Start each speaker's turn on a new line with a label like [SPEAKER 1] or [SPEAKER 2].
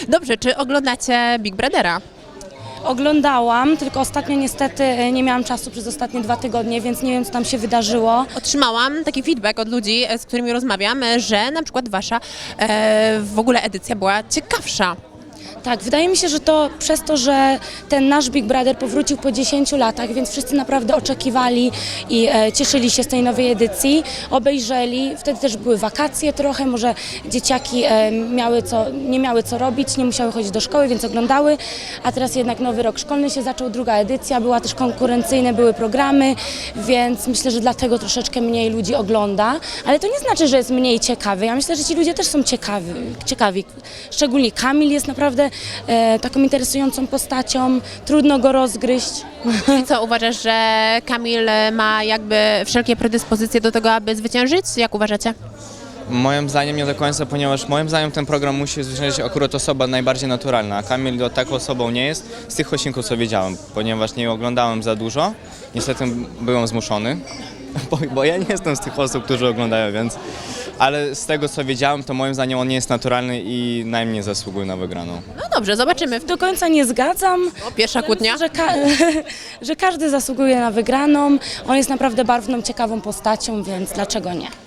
[SPEAKER 1] Dobrze, czy oglądacie Big Brothera?
[SPEAKER 2] Oglądałam, tylko ostatnio niestety nie miałam czasu przez ostatnie 2 tygodnie, więc nie wiem, co tam się wydarzyło.
[SPEAKER 1] Otrzymałam taki feedback od ludzi, z którymi rozmawiam, że na przykład wasza w ogóle edycja była ciekawsza.
[SPEAKER 2] Tak, wydaje mi się, że to przez to, że ten nasz Big Brother powrócił po 10 latach, więc wszyscy naprawdę oczekiwali i cieszyli się z tej nowej edycji, obejrzeli, wtedy też były wakacje trochę, może dzieciaki nie miały co robić, nie musiały chodzić do szkoły, więc oglądały, a teraz jednak nowy rok szkolny się zaczął, druga edycja, była też konkurencyjne, były programy, więc myślę, że dlatego troszeczkę mniej ludzi ogląda, ale to nie znaczy, że jest mniej ciekawy, ja myślę, że ci ludzie też są ciekawi. Szczególnie Kamil jest naprawdę taką interesującą postacią, trudno go rozgryźć.
[SPEAKER 1] I co, uważasz, że Kamil ma jakby wszelkie predyspozycje do tego, aby zwyciężyć? Jak uważacie?
[SPEAKER 3] Moim zdaniem nie do końca, ponieważ moim zdaniem ten program musi zwyciężyć akurat osoba najbardziej naturalna, a Kamil taką osobą nie jest z tych odcinków, co wiedziałem, ponieważ nie oglądałem za dużo, niestety byłem zmuszony, bo ja nie jestem z tych osób, którzy oglądają, więc... Ale z tego, co wiedziałem, to moim zdaniem on nie jest naturalny i najmniej zasługuje na wygraną.
[SPEAKER 1] No dobrze, zobaczymy.
[SPEAKER 2] Do końca nie zgadzam.
[SPEAKER 1] Pierwsza kłótnia.
[SPEAKER 2] Myślę, że każdy zasługuje na wygraną. On jest naprawdę barwną, ciekawą postacią, więc dlaczego nie?